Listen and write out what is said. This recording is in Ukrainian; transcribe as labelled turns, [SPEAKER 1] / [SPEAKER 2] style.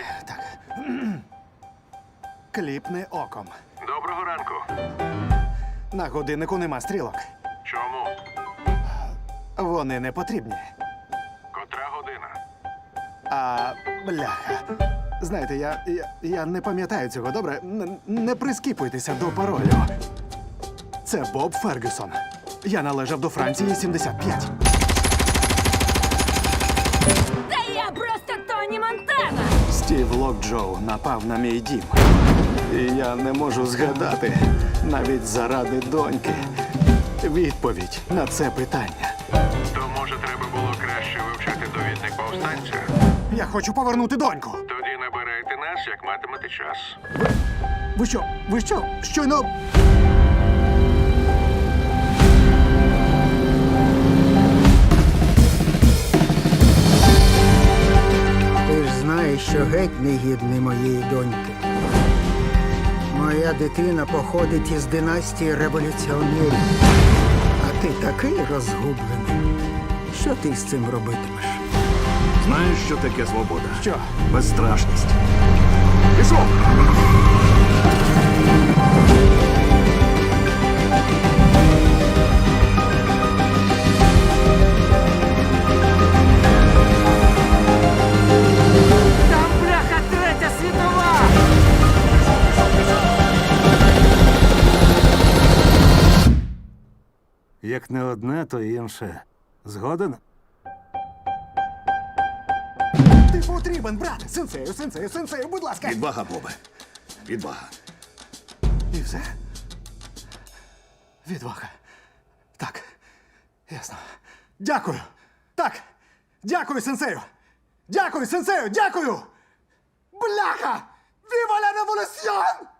[SPEAKER 1] Так. Кліпни оком.
[SPEAKER 2] Доброго ранку.
[SPEAKER 1] На годиннику нема стрілок.
[SPEAKER 2] Чому?
[SPEAKER 1] Вони не потрібні.
[SPEAKER 2] Котра година?
[SPEAKER 1] А, бляха. Знаєте, я не пам'ятаю цього, добре? Не прискіпуйтеся до паролю. Це Боб Фергюсон. Я належав до Франції 75.
[SPEAKER 3] Та я просто Тоні Монтана!
[SPEAKER 1] Стів Локджоу напав на мій дім. І я не можу згадати, навіть заради доньки, відповідь на це питання.
[SPEAKER 2] То, може, треба було краще вивчати довідник повстанця?
[SPEAKER 1] Я хочу повернути доньку.
[SPEAKER 2] Тоді набирайте нас, як матимете час.
[SPEAKER 1] Ви що? Ви що? Щойно...
[SPEAKER 4] Ти ж знаєш, що геть не гідний моєї доньки. Моя дитина походить із династії революціонерів. А ти такий розгублений. Що ти з цим робитимеш?
[SPEAKER 5] Знаєш, що таке свобода?
[SPEAKER 1] Що?
[SPEAKER 5] Безстрашність. Пішов!
[SPEAKER 6] Там бляха третя світова!
[SPEAKER 5] Як не одне, то інше. Згоден?
[SPEAKER 1] Ти потрібен, брате! Сенсею, будь ласка!
[SPEAKER 5] Відвага, Бобе. Відвага.
[SPEAKER 1] І все? Відвага. Так. Ясно. Дякую. Так. Дякую, сенсею. Дякую, сенсею. Дякую. Бляха! Віва ла революціон!